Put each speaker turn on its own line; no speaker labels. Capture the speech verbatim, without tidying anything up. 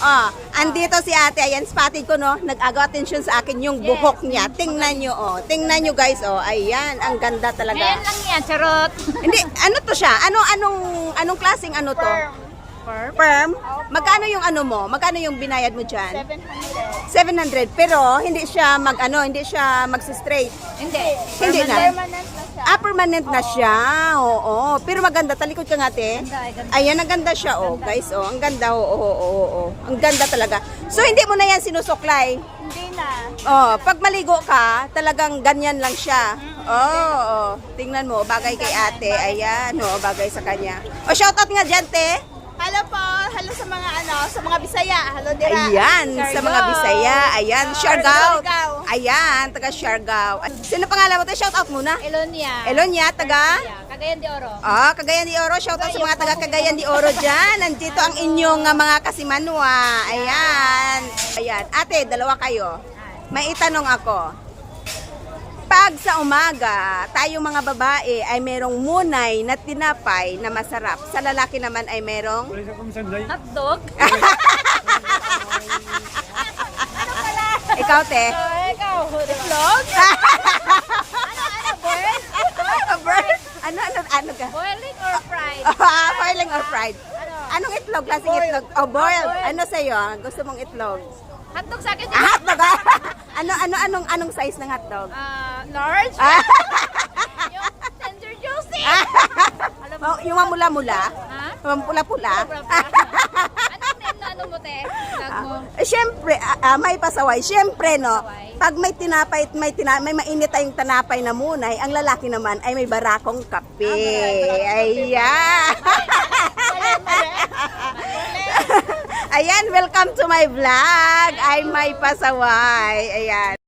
Oh, andito si ate. Ayan, spotted ko, no? Nag-agaw attention sa akin yung buhok niya. Tingnan nyo, oh. Tingnan nyo, guys, oh. Ayan, ang ganda talaga.
Ngayon lang yan, charot.
Hindi, ano to siya? Ano, anong, anong klaseng ano to?
Perm.
Perm? Magkano yung ano mo? Magkano yung binayad mo dyan?
seven hundred.
seven hundred. Pero, hindi siya mag, ano, hindi siya mag-straight.
Hindi.
Hindi na.
Permanent na siya.
Ah, permanent na siya. Oo. Pero maganda. Talikod ka nga, te.
Ganda, ganda.
Ayan, ang ganda siya, oh. Guys, oh. Ang ganda, oo, oo, oo, oo. Ang ganda talaga. So, hindi mo na yan sinusuklay.
Hindi na.
Oh, pag maligo ka, talagang ganyan lang siya. Oo, oh, tingnan mo, bagay kay ate. Ayan, oh, bagay sa kanya. O, shoutout nga dyan, te.
Hello po. Hello sa mga ano, sa mga Bisaya. Hello dira.
Ayan, sa mga Bisaya. Ayan, Siargao.
Siargao.
Ayan, taga Siargao. Sino pangalan mo, te? Shoutout muna.
Elonia.
Elonia, taga?
Cagayan de Oro.
Ah, Cagayan de Oro. Shoutout sa mga taga Cagayan de Oro dyan. Nandito ang inyong uh, mga kasimanwa. Ayan. Ayan. Ate, dalawa kayo. May itanong ako. Pag sa umaga, tayo mga babae ay merong munay na tinapay na masarap. Sa lalaki naman ay merong...
Hotdog.
Ikaw, te?
Ikaw. Itlog. Ano, ano, boiled?
Bird? Ano, ano, ano ka?
Boiling or fried?
Ah, boiling or fried?
Ano?
Anong itlog? Klaseng itlog? Oh, boiled. Ano sa'yo? Gusto mong itlog?
Hotdog sa akin.
Ah, hotdog ah. Ano, ano, anong, anong size ng hotdog?
Ah, large.
Ah,
Yung tender juicy. Alam mo?
oh, yung mamula-mula?
Ha?
Yung pula-pula?
Anong name na ano mo, te? Vlog mo.
Eh, Siyempre, ah, ah, may pasaway. Siyempre, no,
Pasaway.
pag may tinapay, may, tina, may mainit tayong tinapay na munay, ang lalaki naman ay may barakong kape. Ayan. Ayan, welcome to my vlog. I'm May Pasaway. Ayan.